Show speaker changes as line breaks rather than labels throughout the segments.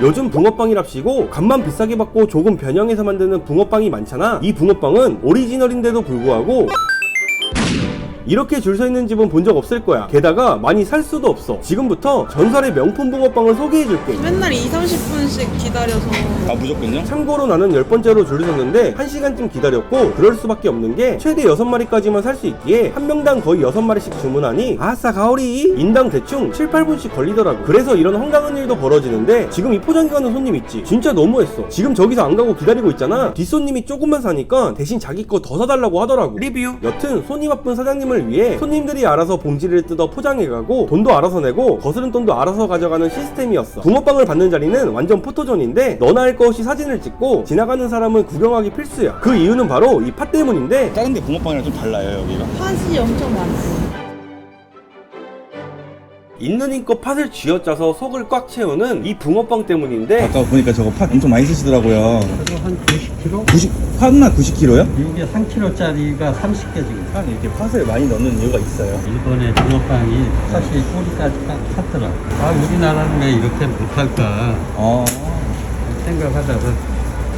요즘 붕어빵이랍시고 값만 비싸게 받고 조금 변형해서 만드는 붕어빵이 많잖아. 이 붕어빵은 오리지널인데도 불구하고 이렇게 줄 서 있는 집은 본 적 없을 거야. 게다가 많이 살 수도 없어. 지금부터 전설의 명품 붕어빵을 소개해줄게.
맨날 2~30분씩 기다려서.
아, 무조건요?
참고로 나는 10번째로 줄을 섰는데 1시간쯤 기다렸고, 그럴 수밖에 없는 게 최대 6마리까지만 살 수 있기에 한 명당 거의 6마리씩 주문하니 아싸 가오리 인당 대충 7~8분씩 걸리더라고. 그래서 이런 황당한 일도 벌어지는데, 지금 이 포장기 가는 손님 있지? 진짜 너무했어. 지금 저기서 안 가고 기다리고 있잖아. 뒷손님이 조금만 사니까 대신 자기 거 더 사달라고 하더라고. 리뷰. 여튼 손이 바쁜 사장님을 위해 손님들이 알아서 봉지를 뜯어 포장해가고 돈도 알아서 내고 거스른 돈도 알아서 가져가는 시스템이었어. 붕어빵을 받는 자리는 완전 포토존인데 너나 할 것 없이 사진을 찍고 지나가는 사람은 구경하기 필수야. 그 이유는 바로 이 팥 때문인데,
다른 데 붕어빵이랑 좀 달라요, 여기가.
팥이 엄청 많고.
있는 힘껏 팥을 쥐어짜서 속을 꽉 채우는 이 붕어빵 때문인데,
아까 보니까 저거 팥 엄청 많이 쓰시더라고요.
그리고 한 90kg?
90, 팥나 90kg요?
이게 3kg짜리가 30개 지금.
팥 이렇게 팥을 많이 넣는 이유가 있어요.
일본의 붕어빵이 사실 꼬리까지 딱 찼더라. 아, 우리나라는 왜 이렇게 못할까 생각하다가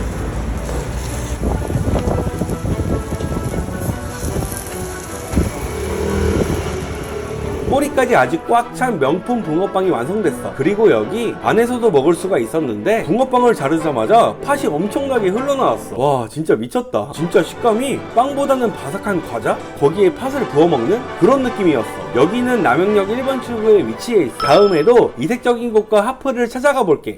꼬리까지 아직 꽉 찬 명품 붕어빵이 완성됐어. 그리고 여기 안에서도 먹을 수가 있었는데 붕어빵을 자르자마자 팥이 엄청나게 흘러나왔어. 와 진짜 미쳤다. 진짜 식감이 빵보다는 바삭한 과자? 거기에 팥을 부어 먹는 그런 느낌이었어. 여기는 남영역 1번 출구에 위치해 있어. 다음에도 이색적인 곳과 하프를 찾아가 볼게.